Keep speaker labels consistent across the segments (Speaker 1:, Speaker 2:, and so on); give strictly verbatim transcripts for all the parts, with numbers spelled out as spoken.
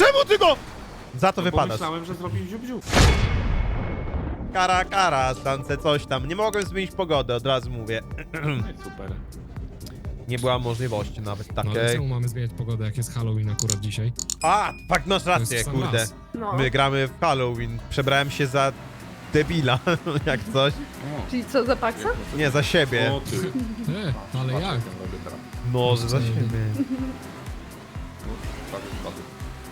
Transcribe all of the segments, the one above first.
Speaker 1: Czemu ty go? Za to
Speaker 2: No, bo
Speaker 1: wypadasz.
Speaker 2: myślałem, że zrobił ziub-ziub.
Speaker 1: Kara, kara, stance coś tam. Nie mogłem zmienić pogody, od razu mówię.
Speaker 2: No i super.
Speaker 1: Nie była możliwości nawet
Speaker 3: No ale
Speaker 1: takiej.
Speaker 3: czemu mamy zmieniać pogodę, jak jest Halloween akurat dzisiaj?
Speaker 1: A, fakt, masz
Speaker 3: To jest
Speaker 1: rację,
Speaker 3: sam
Speaker 1: kurde.
Speaker 3: raz.
Speaker 4: No.
Speaker 1: My gramy w Halloween. Przebrałem się za debila, jak coś.
Speaker 2: O,
Speaker 4: Czyli co, za paksa?
Speaker 1: Nie, za siebie.
Speaker 2: o ty.
Speaker 3: E, ale
Speaker 2: Patrz,
Speaker 3: jak?
Speaker 2: ja robię teraz.
Speaker 1: No, że za
Speaker 3: Co?
Speaker 1: siebie.
Speaker 2: No, prawie spadł.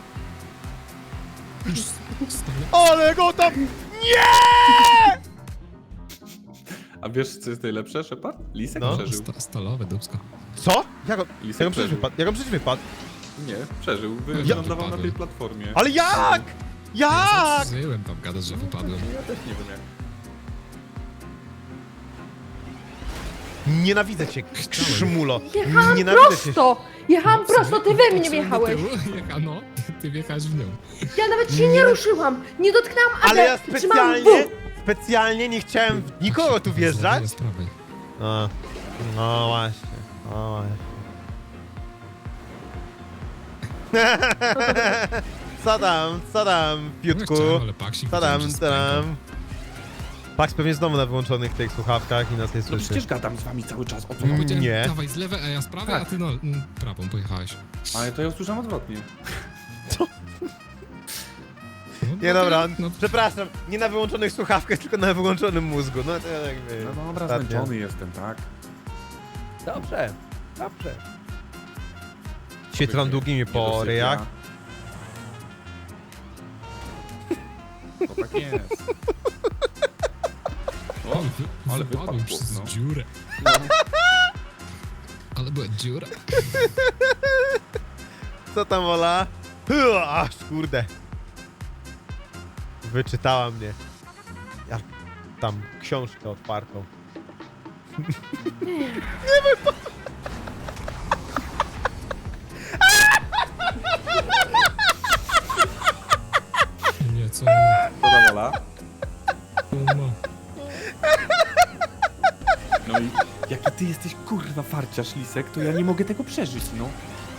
Speaker 3: Już stale...
Speaker 1: Ale go tam... Nie!
Speaker 2: A wiesz, co jest najlepsze, Shepard? Lisek
Speaker 1: No.
Speaker 2: przeżył.
Speaker 3: Sta stalowe dubsko.
Speaker 1: Co? Jak on,
Speaker 2: Lisek
Speaker 1: jak on przecież
Speaker 2: przeżył.
Speaker 1: wypadł? Jak on przecież wypadł?
Speaker 2: Nie, przeżył. Wy-
Speaker 3: Ja
Speaker 2: Wylądował na
Speaker 3: wypadłem.
Speaker 2: tej platformie.
Speaker 1: Ale jak? Jak?
Speaker 3: Żyłem tam gadać, że wypadłem.
Speaker 2: Ja też nie wiem jak.
Speaker 1: Nienawidzę cię, szmulo.
Speaker 4: Jechałam
Speaker 1: Nienawidzę cię.
Speaker 4: prosto! Jechałam prosto, ty we mnie wjechałeś!
Speaker 3: Jecha, no, ty wjechałeś w nią.
Speaker 4: Ja nawet się nie ruszyłam! Nie dotknęłam,
Speaker 1: Ale ja
Speaker 4: ale trzymałam
Speaker 1: specjalnie,
Speaker 4: W.
Speaker 1: specjalnie nie chciałem w nikogo tu wjeżdżać.
Speaker 3: Z prawej.
Speaker 1: No, no właśnie, no właśnie. Co tam, co tam, piutku?
Speaker 3: No, chciałem, ale paksik
Speaker 1: Co
Speaker 3: widziałem,
Speaker 1: tam,
Speaker 3: że
Speaker 1: co tam? Pax pewnie znowu na wyłączonych tych słuchawkach i nas nie
Speaker 2: No
Speaker 1: słyszy.
Speaker 2: przecież gadam z wami cały czas, o co
Speaker 1: Mm.
Speaker 2: wam?
Speaker 3: Powiedziałem,
Speaker 1: Nie.
Speaker 3: dawaj z lewej, a ja z prawej,
Speaker 2: Tak.
Speaker 3: a ty no, mm, prawą pojechałeś.
Speaker 2: Ale to ja usłyszałem odwrotnie.
Speaker 3: No,
Speaker 1: Nie dobra,
Speaker 3: no,
Speaker 1: przepraszam, nie na wyłączonych słuchawkach, tylko na wyłączonym mózgu. No to jakby...
Speaker 2: No dobra,
Speaker 1: ostatnio.
Speaker 2: zmęczony jestem, tak?
Speaker 1: Dobrze, dobrze. Świetlam długimi po
Speaker 2: Nie dosypia.
Speaker 1: ryjach.
Speaker 2: To tak jest. O,
Speaker 3: ale, wy,
Speaker 2: ale
Speaker 3: wypadłem
Speaker 2: wypadł,
Speaker 3: przez
Speaker 2: no.
Speaker 3: dziurę.
Speaker 2: no.
Speaker 3: Ale była dziura.
Speaker 1: Co tam, Ola? Hy, aż kurde. Wyczytała mnie. Ja tam książkę otwartą.
Speaker 3: Nie, co?
Speaker 2: Co tam, Ola?
Speaker 3: No, no.
Speaker 2: No i jaki ty jesteś kurwa farciarz, Lisek, to ja nie mogę tego przeżyć, no.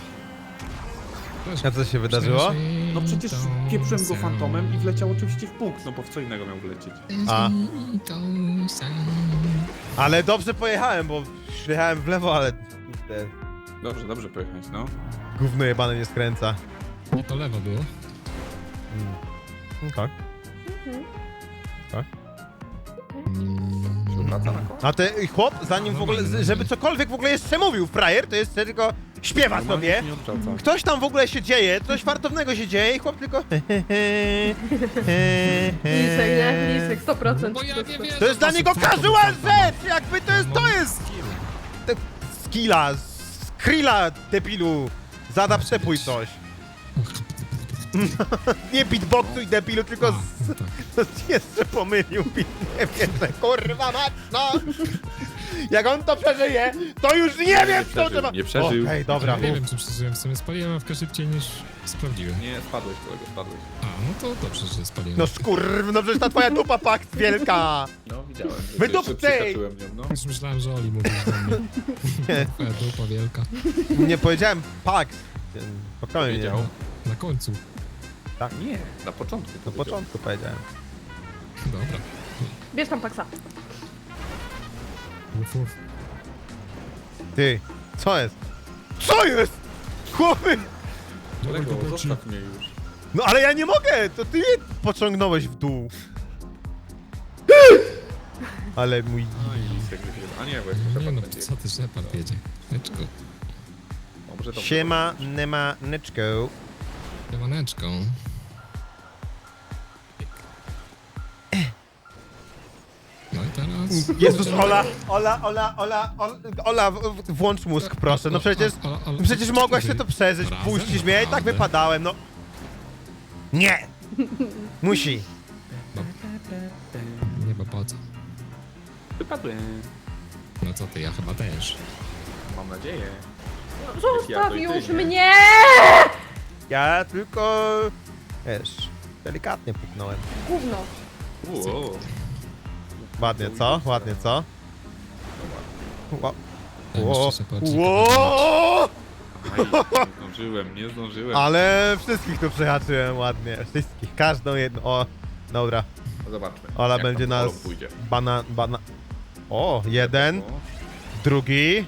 Speaker 1: A co się wydarzyło?
Speaker 2: No przecież pieprzyłem go fantomem i wleciał oczywiście w punkt, no bo w co innego miał wlecieć.
Speaker 1: A. Ale dobrze pojechałem, bo jechałem w lewo, ale... Kurde,
Speaker 2: Dobrze, dobrze pojechać, no.
Speaker 1: gówno jebane nie skręca.
Speaker 3: Nie, to lewo było.
Speaker 1: Mm. Tak.
Speaker 2: Się obraca na koło.
Speaker 1: A ten chłop, zanim w ogóle, żeby cokolwiek w ogóle jeszcze mówił, frajer, to jest tylko śpiewa
Speaker 2: Normalnie
Speaker 1: sobie.
Speaker 2: się nie odwraca.
Speaker 1: Ktoś tam w ogóle się dzieje, coś fartownego się dzieje i chłop tylko...
Speaker 4: Lisek, nie? Lisek, sto procent.
Speaker 3: Bo ja nie wiem.
Speaker 1: To jest dla niego casual rzecz! Jakby to jest, to jest...
Speaker 3: Skill.
Speaker 1: te- Skilla, skrilla, debilu. Zada przepój coś. Nie beatboxuj, debilu, tylko
Speaker 3: A,
Speaker 1: z...
Speaker 3: no tak.
Speaker 1: jeszcze pomylił beat, nie wierzę, kurwa mać, no! Jak on to przeżyje, to już nie wiem, co
Speaker 2: przeżył,
Speaker 1: trzeba...
Speaker 2: nie przeżył.
Speaker 1: Okej, dobra.
Speaker 3: Ja nie wiem, czy przeżyłem. W sumie spaliłem awkę szybciej niż sprawdziłem.
Speaker 2: Nie, spadłeś kolego, spadłeś.
Speaker 3: A, no to dobrze, że spaliłem.
Speaker 1: No skurw, no przecież ta twoja dupa pakt wielka!
Speaker 2: No, widziałem. że
Speaker 1: Wydupcej!
Speaker 2: jeszcze przyhaczyłem nią, no.
Speaker 3: Już myślałem, że Oli mówisz do mnie. Twoja dupa wielka.
Speaker 1: Nie powiedziałem pakt. Spokojnie.
Speaker 2: Powiedział.
Speaker 3: Na końcu.
Speaker 2: Nie, na początku.
Speaker 1: Na
Speaker 2: powiedział.
Speaker 1: początku powiedziałem.
Speaker 3: Dobra.
Speaker 4: Bierz tam paksa.
Speaker 3: Uf, uf.
Speaker 1: Ty, co jest? Co jest? Chłopy!
Speaker 2: Kolego,
Speaker 3: Dobra, ci-
Speaker 2: zostaw mnie już.
Speaker 1: No ale ja nie mogę, to ty mnie pociągnąłeś w dół. Ale mój...
Speaker 3: Oj,
Speaker 2: Lisek wybiera. A nie, bo jeszcze
Speaker 3: nie
Speaker 2: Shepard
Speaker 3: no,
Speaker 2: będzie.
Speaker 3: co ty Shepard jedzie? Leczko.
Speaker 2: O, może to
Speaker 1: Siema, nema, neczko.
Speaker 3: Lemaneczką. No i teraz...
Speaker 1: Jezus, Ola, Ola, Ola, Ola, Ola, Ola, w- w- włącz mózg, proszę. No przecież,
Speaker 3: O, o, o, o,
Speaker 1: no przecież mogłaś się to przeżyć,
Speaker 3: Razem?
Speaker 1: puścić mnie, ja i tak
Speaker 3: Naprawdę?
Speaker 1: wypadałem, no. Nie! Musi.
Speaker 3: Nie, bo po co?
Speaker 2: Wypadłem.
Speaker 3: No co ty, ja chyba też.
Speaker 2: Mam nadzieję.
Speaker 4: No, zostaw
Speaker 2: ty,
Speaker 4: już
Speaker 2: nie?
Speaker 4: mnie!
Speaker 1: Ja tylko, wiesz, delikatnie puknąłem.
Speaker 4: Gówno.
Speaker 2: Uuu.
Speaker 1: Ładnie, co? Ładnie, co? Ła-
Speaker 3: Ja
Speaker 1: Ło-
Speaker 3: jeszcze Shepard się
Speaker 1: Ło-
Speaker 2: nie zdążyłem, nie zdążyłem.
Speaker 1: Ale wszystkich tu przehaczyłem ładnie. Wszystkich, każdą jedną. O, dobra.
Speaker 2: No zobaczmy.
Speaker 1: Ola
Speaker 2: jak
Speaker 1: będzie
Speaker 2: tam
Speaker 1: nas...
Speaker 2: Olą pójdzie.
Speaker 1: Bana... bana... O, jeden,
Speaker 2: O,
Speaker 1: drugi.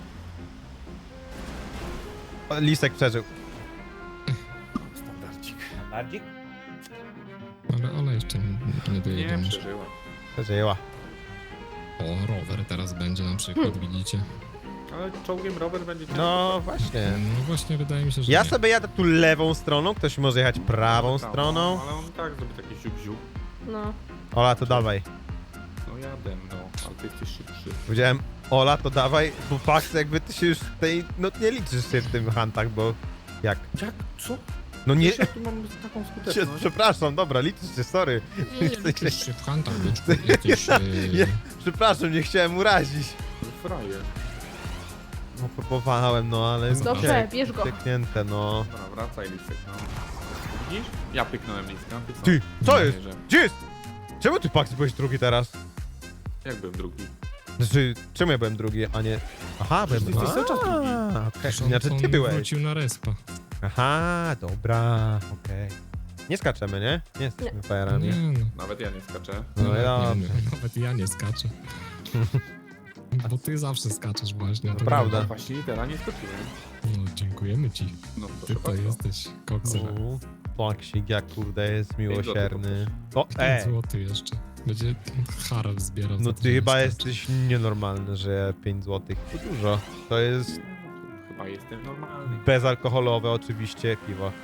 Speaker 1: O, Lisek przeżył.
Speaker 2: standardzik.
Speaker 1: Standardzik?
Speaker 3: Ale Ola jeszcze nie
Speaker 2: Nie,
Speaker 3: dojedziemy.
Speaker 2: przeżyła.
Speaker 1: Przeżyła.
Speaker 3: O, rower teraz będzie na przykład, widzicie?
Speaker 2: Ale czołgiem rower będzie ciężko.
Speaker 1: No właśnie.
Speaker 3: No właśnie, wydaje mi się, że
Speaker 1: Ja
Speaker 3: nie.
Speaker 1: sobie jadę tu lewą stroną, ktoś może jechać prawą
Speaker 2: Prawo,
Speaker 1: stroną.
Speaker 2: Ale on tak zrobi taki ziup-ziup.
Speaker 4: No.
Speaker 1: Ola, to dawaj.
Speaker 2: No jadę, no. Ale ty jesteś szybszy.
Speaker 1: Powiedziałem, Ola, to dawaj, bo fakt jakby ty się już w tej, no nie liczysz się w tym huntach, bo jak?
Speaker 2: Jak? Co?
Speaker 1: No nie,
Speaker 2: Wiesz, ja tu mam taką
Speaker 1: się,
Speaker 2: skuteczność.
Speaker 1: przepraszam, dobra, liczysz się, sorry.
Speaker 3: Nie, nie liczysz się w kantach, byczku. Jesteś...
Speaker 1: Ja,
Speaker 3: Yy...
Speaker 1: ja, przepraszam, nie chciałem urazić.
Speaker 2: Frajer.
Speaker 1: No próbowałem, no ale...
Speaker 3: Dobrze,
Speaker 1: piek-
Speaker 4: bierz go.
Speaker 1: Pieknięte, no.
Speaker 2: Dobra, wracaj listek, no. Widzisz? Ja pyknąłem listka, ty co?
Speaker 1: Ty, co
Speaker 2: Nie
Speaker 1: jest?
Speaker 2: wierzę.
Speaker 1: Gdzie jest? Czemu ty, Pax, byłeś drugi teraz?
Speaker 2: Jak byłem drugi?
Speaker 1: Znaczy, czemu ja byłem drugi, a nie... Aha, byłem...
Speaker 2: Przecież ty jesteś cały czas drugi.
Speaker 1: A, okej,
Speaker 3: on-
Speaker 1: znaczy
Speaker 3: on
Speaker 1: ty byłeś.
Speaker 3: wrócił na respa.
Speaker 1: Aha, dobra, okej. Nie skaczemy, nie? Nie jesteśmy
Speaker 3: Nie
Speaker 1: fajerami.
Speaker 3: no.
Speaker 2: Nawet ja nie skaczę.
Speaker 1: No
Speaker 3: Nawet,
Speaker 1: ja...
Speaker 3: nie, nawet ja nie skaczę. Bo ty zawsze skaczesz właśnie. to
Speaker 1: prawda.
Speaker 2: No właśnie teraz nie skoczyłem.
Speaker 3: No, dziękujemy ci.
Speaker 2: No
Speaker 3: Ty
Speaker 2: proszę
Speaker 3: to
Speaker 2: bardzo.
Speaker 3: jesteś koksem.
Speaker 1: U, Paksik, jak kurde jest miłosierny. O,
Speaker 3: pięć
Speaker 1: e!
Speaker 3: złotych jeszcze. Będzie harem zbierał.
Speaker 1: No
Speaker 3: za to,
Speaker 1: ty
Speaker 3: że
Speaker 1: chyba
Speaker 3: skacze.
Speaker 1: jesteś nienormalny, że pięć złotych to dużo. To jest
Speaker 2: Chyba jestem normalny.
Speaker 1: bezalkoholowe oczywiście piwo.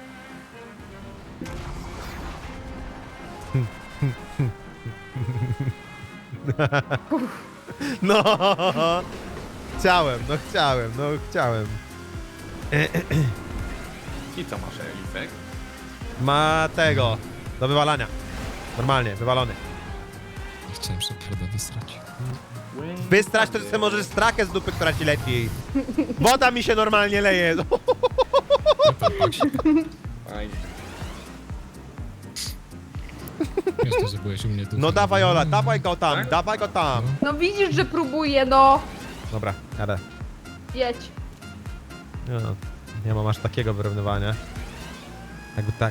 Speaker 1: No, chciałem, no chciałem, no chciałem.
Speaker 2: I co masz, listek?
Speaker 1: Ma tego, do wywalania. Normalnie, wywalony.
Speaker 3: Chciałem Sheparda wysrać.
Speaker 1: Wystrać to, że sobie możesz strakę z dupy, która ci leci. Woda mi się normalnie leje.
Speaker 2: Fajnie.
Speaker 3: Myślę, że byłeś u mnie tu.
Speaker 1: No dawaj Ola, dawaj go tam,
Speaker 2: Tak?
Speaker 1: dawaj go tam.
Speaker 4: No widzisz, że próbuję, no.
Speaker 1: Dobra, jadę.
Speaker 4: Jedź.
Speaker 1: No, nie mam aż takiego wyrównywania. Jakby tak.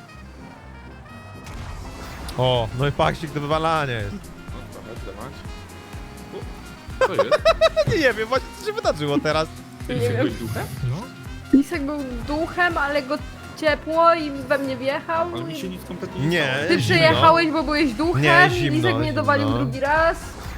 Speaker 1: O, no i paksik do wywalania jest.
Speaker 2: No trochę, dawać. O, co jest?
Speaker 1: Nie wiem, właśnie co się wydarzyło teraz.
Speaker 2: Ty
Speaker 4: Nie wiem.
Speaker 2: byłeś duchem?
Speaker 3: No,
Speaker 4: Lisek był duchem, ale go ciepło i we mnie wjechał.
Speaker 2: Ale mi
Speaker 4: i-
Speaker 2: się nic kompletnie nie
Speaker 1: Nie.
Speaker 2: stało.
Speaker 4: Ty
Speaker 1: zimno.
Speaker 4: przyjechałeś, bo byłeś duchem
Speaker 1: Nie,
Speaker 4: i
Speaker 1: zimno,
Speaker 4: Lisek mnie dowalił
Speaker 1: zimno.
Speaker 4: drugi raz.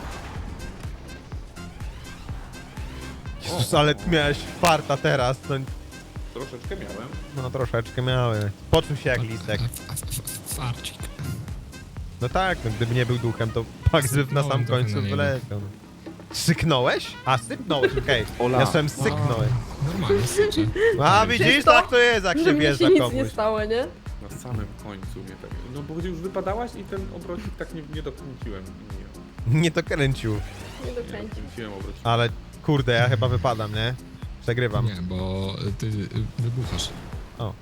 Speaker 1: Jezus, ale ty miałeś farta teraz. No,
Speaker 2: Troszeczkę miałem.
Speaker 1: no troszeczkę miały. Poczuł się jak lisek.
Speaker 3: A, a, a, farcik.
Speaker 1: No tak, no gdyby nie był duchem, to Pax by na sam
Speaker 3: Sypnąłem trochę
Speaker 1: końcu
Speaker 3: na niego.
Speaker 1: wyleciał. Syknąłeś? A, sypnąłeś, okej.
Speaker 2: Ola.
Speaker 1: Ja słyszałem syknąłeś.
Speaker 3: Normalnie sycze.
Speaker 1: A, widzisz,
Speaker 4: Widzisz to?
Speaker 1: tak to jest, jak
Speaker 4: Że
Speaker 1: się
Speaker 4: mnie
Speaker 1: wjeżdża
Speaker 4: się nic nie
Speaker 1: komuś.
Speaker 4: stało, nie?
Speaker 2: Na samym końcu mnie tak... No bo już wypadałaś i ten obrocik tak nie, nie dokręciłem. Nie,
Speaker 1: Nie to kręcił.
Speaker 4: Nie
Speaker 2: nie
Speaker 4: dokręcił.
Speaker 2: dokręciłem obrocik.
Speaker 1: Ale kurde, ja chyba wypadam, nie? Przegrywam.
Speaker 3: Nie, bo ty y, wybuchasz.
Speaker 1: O.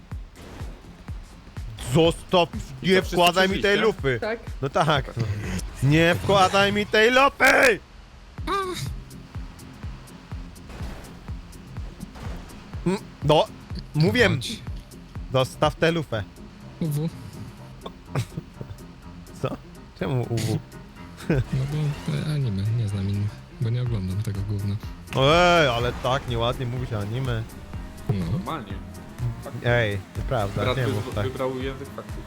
Speaker 1: Zostaw,
Speaker 2: I
Speaker 1: nie
Speaker 2: co, wszyscy
Speaker 1: wkładaj mi tej
Speaker 2: przeżyliście?
Speaker 1: lupy.
Speaker 4: Tak.
Speaker 1: No tak. No. Nie wkładaj mi tej lupy! Mm, No, mówię,
Speaker 3: Chodź.
Speaker 1: zostaw tę lupę.
Speaker 3: U W.
Speaker 1: Co? Czemu U W?
Speaker 3: No bo e, anime, nie znam innych. Bo nie oglądam tego gówna.
Speaker 1: Ej, ale tak nieładnie mówisz o anime.
Speaker 3: No.
Speaker 2: Normalnie.
Speaker 1: Ej, nieprawda,
Speaker 2: Brat
Speaker 1: nie
Speaker 2: wy,
Speaker 1: mów tak.
Speaker 2: wybrał język faktów.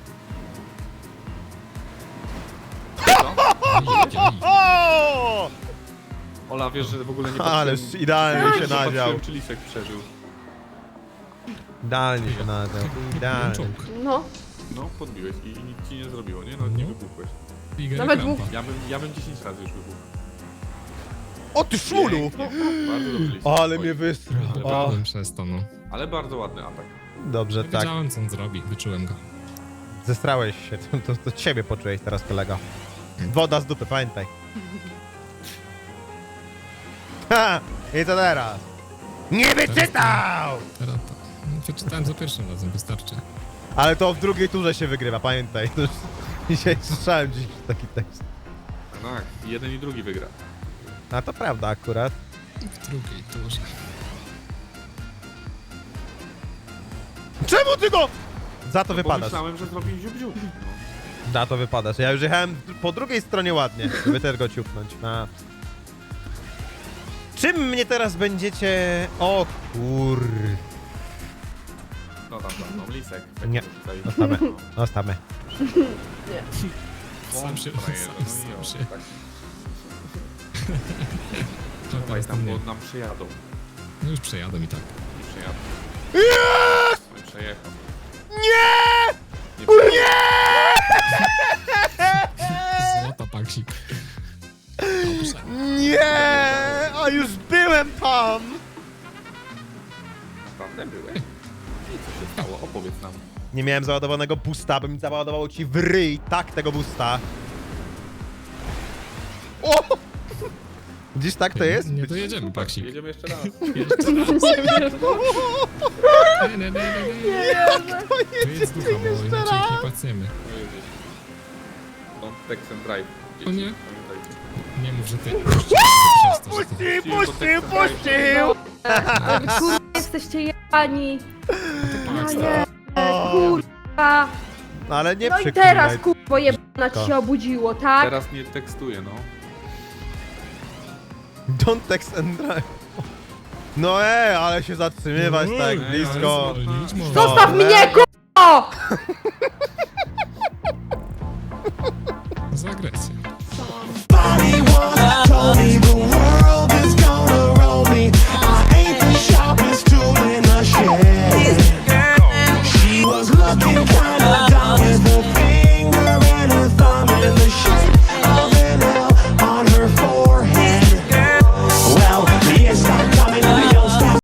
Speaker 3: Ej, ej, ej.
Speaker 1: O!
Speaker 2: Ola, wiesz, że w ogóle nie
Speaker 1: Ależ
Speaker 2: patrzyłem-
Speaker 1: idealnie
Speaker 2: nie
Speaker 1: się
Speaker 2: patrzyłem,
Speaker 1: nadział.
Speaker 2: czy Lisek przeżył.
Speaker 1: Idealnie się nadział. Idealnie.
Speaker 3: Czołg.
Speaker 4: No.
Speaker 2: No, podbiłeś i nic ci nie zrobiło, nie? No, nie
Speaker 3: No.
Speaker 2: wybuchłeś.
Speaker 3: Liga
Speaker 4: Nawet
Speaker 3: Krampa.
Speaker 2: Ja bym, ja bym dziesięć razy już wybuchł.
Speaker 1: O ty szmulu!
Speaker 2: Pięknie. Bardzo dobrze, Lisek.
Speaker 1: Ale
Speaker 2: Oj.
Speaker 1: mnie wystrał.
Speaker 2: Ale
Speaker 1: O,
Speaker 3: Wypadłem przez to, no.
Speaker 2: Ale bardzo ładny atak.
Speaker 1: dobrze, tak.
Speaker 3: Wiedziałem, co on zrobi. Wyczułem go.
Speaker 1: Zestrałeś się, to, to, to ciebie poczułeś teraz, kolego. Woda z dupy, pamiętaj. Ha! I co teraz? Nie wyczytał!
Speaker 3: Teraz to. No, przeczytałem za pierwszym razem, wystarczy.
Speaker 1: Ale to w drugiej turze się wygrywa, pamiętaj. To już dzisiaj słyszałem dziś taki tekst.
Speaker 2: Tak, i jeden i drugi wygra.
Speaker 1: A to prawda akurat.
Speaker 3: W drugiej turze.
Speaker 1: Czemu ty go? Za to
Speaker 2: No, bo
Speaker 1: wypadasz.
Speaker 2: myślałem, że zrobi ziub-ziub. No.
Speaker 1: Za to wypadasz. Ja już jechałem po drugiej stronie ładnie, żeby też go ciupnąć. A. Czym mnie teraz będziecie... O kur...
Speaker 2: No tam, tam, no, lisek.
Speaker 1: Nie.
Speaker 2: Tutaj.
Speaker 1: Zostawmy. Zostawmy.
Speaker 3: Sam się,
Speaker 2: frajerze,
Speaker 3: sam,
Speaker 2: no i
Speaker 3: sam
Speaker 2: o,
Speaker 3: się.
Speaker 2: tak.
Speaker 3: To
Speaker 2: Dawaj
Speaker 3: teraz
Speaker 2: tam,
Speaker 3: nie.
Speaker 2: bo nam przyjadą.
Speaker 3: No już przejadę i tak.
Speaker 2: I przyjadą.
Speaker 1: Yes!
Speaker 2: No i przejechał.
Speaker 1: Nie!
Speaker 2: Nie przejechał.
Speaker 3: Złota paksik. Dobrze.
Speaker 1: Nie! A już byłem tam!
Speaker 2: Naprawdę byłem. I co się stało? Opowiedz nam.
Speaker 1: Nie miałem załadowanego boosta, bym załadował ci w ryj, tak, tego boosta. O! Widzisz, tak to jest?
Speaker 3: Nie dojedziemy, paksik.
Speaker 2: Jedziemy jeszcze raz.
Speaker 3: Jeszcze raz.
Speaker 4: Nie wierzę.
Speaker 3: Nie, nie, nie, nie,
Speaker 4: Nie
Speaker 3: nie.
Speaker 4: wierzę.
Speaker 3: To jest ducha, bo
Speaker 1: jeszcze
Speaker 3: inaczej ich nie
Speaker 1: raz.
Speaker 3: pacniemy.
Speaker 2: No jedziesz. Don't text and drive.
Speaker 3: O nie.
Speaker 2: Pamiętajcie.
Speaker 3: Nie mów, że ty... Przez to, że ty...
Speaker 1: Puścił, puścił, puścił!
Speaker 4: Ale kurwa, jesteście jebani. No
Speaker 3: Paks,
Speaker 4: nie, kurwa.
Speaker 1: No ale nie
Speaker 4: No i
Speaker 1: przeklinaj.
Speaker 4: teraz kurwa jebana ci się obudziło, tak?
Speaker 2: Teraz nie tekstuję, no.
Speaker 1: Don't text and drive. No ej, ale się zatrzymywać tak
Speaker 3: Ej,
Speaker 1: blisko.
Speaker 3: ale zwolnić można.
Speaker 4: Zostaw mnie, kurwa!